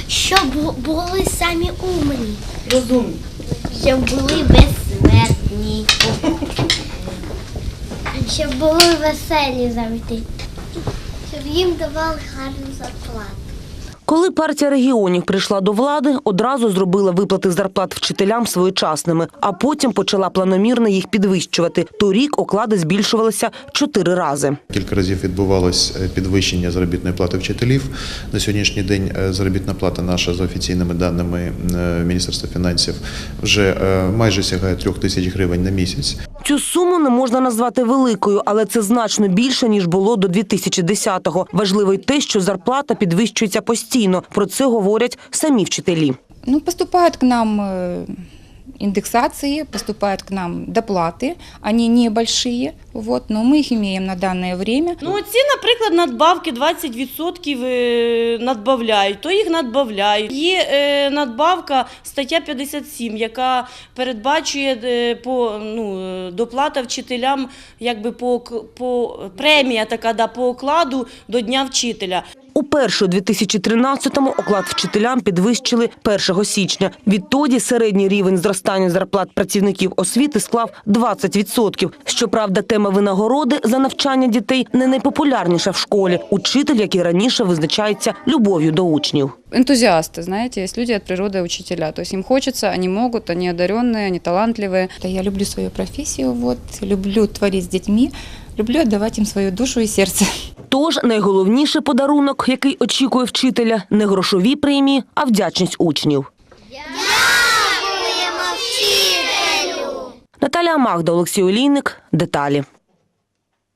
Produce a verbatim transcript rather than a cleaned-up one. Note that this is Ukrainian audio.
Щоб були самі умні. Розумні. Щоб були безсмертні. Щоб були веселі завжди. Щоб їм давали гарну зарплату. Коли партія регіонів прийшла до влади, одразу зробила виплати зарплат вчителям своєчасними, а потім почала планомірно їх підвищувати. Торік оклади збільшувалися чотири рази. Кілька разів відбувалось підвищення заробітної плати вчителів. На сьогоднішній день заробітна плата наша, за офіційними даними Міністерства фінансів, вже майже сягає трьох тисяч гривень на місяць. Цю суму не можна назвати великою, але це значно більше, ніж було до дві тисячі десятого. Важливо й те, що зарплата підвищується постійно. Про це говорять самі вчителі. Ну, поступають к нам индексации, поступают к нам доплаты, они небольшие, вот, но мы их имеем на данное время. Ну, ці, наприклад, надбавки двадцять відсотків надбавляють, то їх надбавляють. Є е, надбавка, стаття п'ятдесят сім, яка передбачує е, по, ну, доплата вчителям, якби по, по премія така, да, по окладу до Дня вчителя. Уперше у дві тисячі тринадцятому оклад вчителям підвищили першого січня. Відтоді середній рівень зростання зарплат працівників освіти склав двадцять відсотків. Щоправда, тема винагороди за навчання дітей не найпопулярніша в школі. Учитель, як і раніше, визначається любов'ю до учнів. Энтузиасты, знаете, есть люди от природы учителя. То есть им хочется, они могут, они одаренные, они талантливые. Я люблю свою профессию, вот, люблю творить с детьми, люблю отдавать им свою душу и сердце. Тож найголовніший подарунок, який очікує вчителя, не грошові премії, а вдячність учнів. Дякуємо вчителю! Наталія Магда, Олексій Олійник. Деталі.